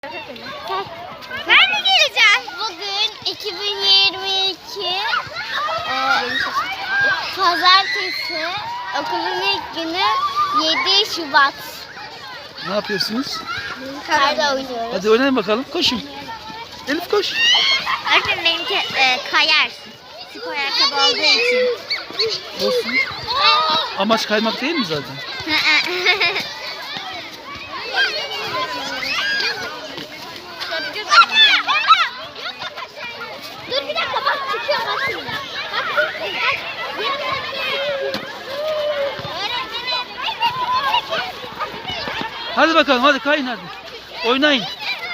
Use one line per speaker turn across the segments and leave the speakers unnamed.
Ben mi geleceğim? Bugün 2022 Pazartesi, okulun ilk günü 7 Şubat.
Ne yapıyorsunuz?
Karda oynuyoruz.
Hadi oynayın bakalım. Koşun. Elif koş.
Öğretmenim benimki kayar. Spor ayakkabı olduğu için.
Olsun. Amaç kaymak değil mi zaten?
Dur bir dakika, bak çıkıyor bak şimdi.
Hadi bakalım, hadi kayın hadi. Oynayın.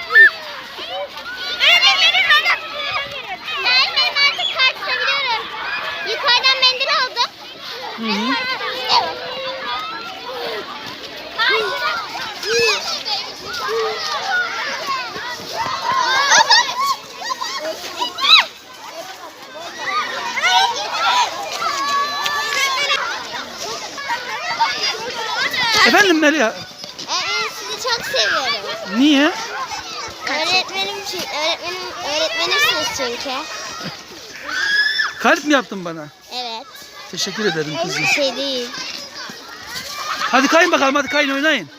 Benim artık kart tutabiliyorum. Yukarıdan mendil aldım.
Hı -hı. Efendim Melia?
Sizi çok seviyorum.
Niye?
Öğretmenimsiniz çünkü.
Kalp mi yaptın bana?
Evet.
Teşekkür ederim kızım.
Bir şey değil.
Hadi kayın bakalım, hadi kayın oynayın.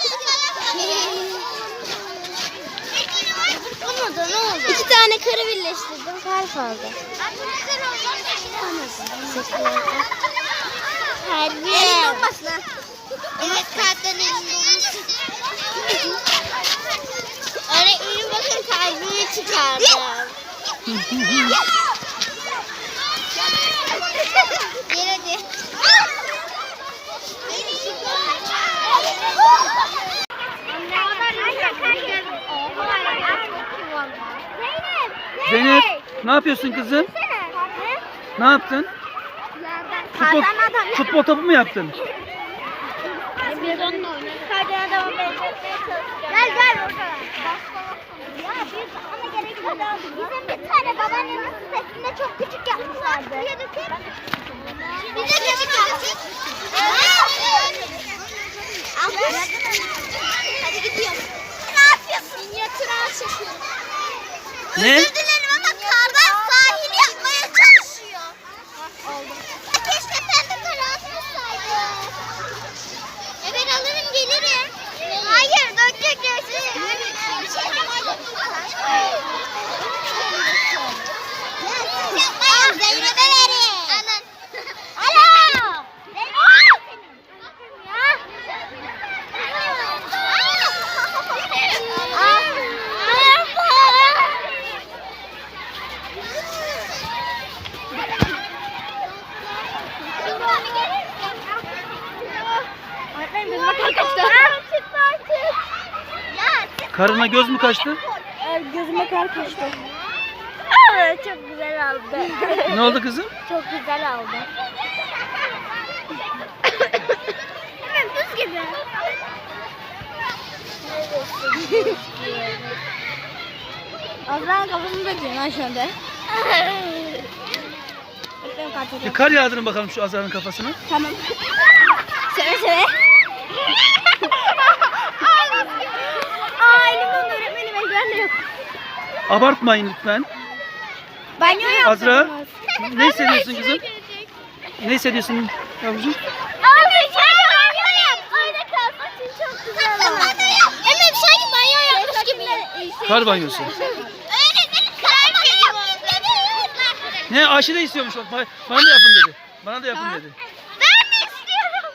Olmadı, ne oldu? 2 tane karı birleştirdim, kalp aldı. Kalbi. Elin olmasın ha. Evet, kalpten elin olmasın. Öğretmenim bakın, kalbimi çıkardım. Gel hadi.
Zeynep, ne yapıyorsun kızım? Ne yaptın? Futbol topu mu yaptın?
Gel gel orada. Ya biz ama gerek yok. Bizim bir tane babaannemin sitesinde çok küçük yapmışlardı. Bir de küçük yaptık. Hadi gidiyorum. Ne yapıyorsun? Minyatür ağaç yapıyorum.
Ne?
Özür dilerim ama kardan sahil yapmaya çalışıyor. Keşke pembe kara atmasaydı. Evet, alırım gelirim. Hayır, dökecek dersin. Yapmayın, Zeynep'e verin. Alo.
Karına göz mü kaçtı?
Gözüme kar kaçtı. Çok güzel aldı.
Ne oldu kızım?
Çok güzel aldı. Hemen buz gibi. Azra'nın kafasını da diyorsun ha şu anda.
Bir kar yağdırın bakalım şu Azra'nın kafasına.
Tamam. Seve seve. Elimden öğretmenim, eldiven de yok.
Abartmayın lütfen.
Banyo yaptım.
Azra, ne hissediyorsun kızım? Ne hissediyorsun yavrucuğum?
Abi sen banyo yap. Orada kalsın, çok güzel oldu. Hemen sanki banyo yapmış gibi.
Kar banyosu.
Öğretmenim kar banyo yaptım dedi.
Ne, Ayşe de istiyormuş. Bana da yapın dedi. Bana da yapın dedi.
Ben de istiyorum.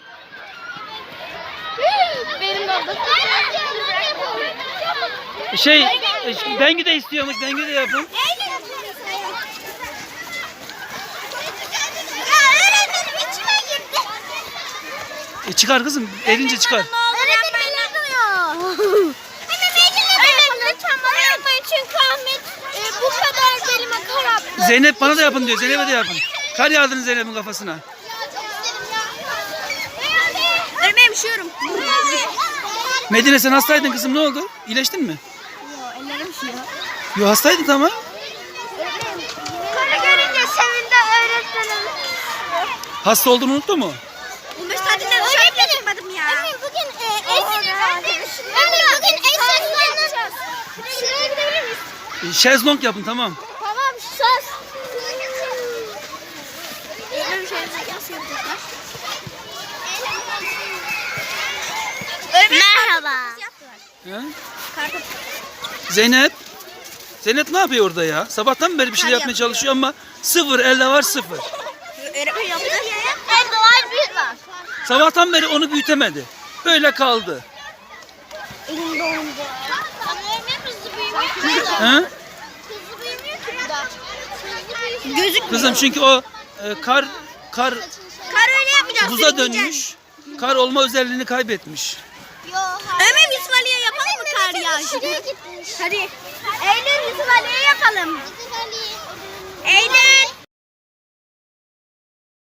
Benim de oldu.
Bengi de istiyormuş. Bengi de yapın.
Öğretmenim içime girdi.
Çıkar kızım. Erince çıkar.
Öğretmenim elim duyuyor. Öğretmenim lütfen bana yapmayın çünkü Ahmet bu kadar belime kar attı.
Zeynep bana da yapın diyor. Zeynep'e de yapın. Kar yağdırın Zeynep'in kafasına.
Öğretmenim üşüyorum.
Medine, sen hastaydın kızım, ne oldu? İyileştin mi?
Yok, ellerim üşüyor.
Yo, hastaydın tamam.
Karı görünce sevindi öğretmenim.
Hasta olduğunu unuttu mu?
15 saatinde dışarı çıkmadım ya. Bugün bugün eşsizliğini
Şezlong yapın tamam.
Tamam söz. Öyle bir şey nasıl yapacaklar? Merhaba.
He? Zeynep. Zeynep ne yapıyor orada ya? Sabahtan beri bir şey yapmaya çalışıyor ama sıfır, elde var sıfır.
Öğretmen yaptı. Elde var bir var.
Sabahtan beri onu büyütemedi. Böyle kaldı.
Elimde olunca. Ama öğretmen hızlı büyümüyor ki.
He?
Hızlı büyümüyor ki bu da. Gözükmüyor.
Kızım çünkü o kar
Kar öyle yapmayacağız.
buza dönmüş. Kar olma özelliğini kaybetmiş.
Ömer Yusuf Ali'ye yapalım mı kar yağışı? Hadi. Eylül Yusuf Ali'ye yapalım. Eylül.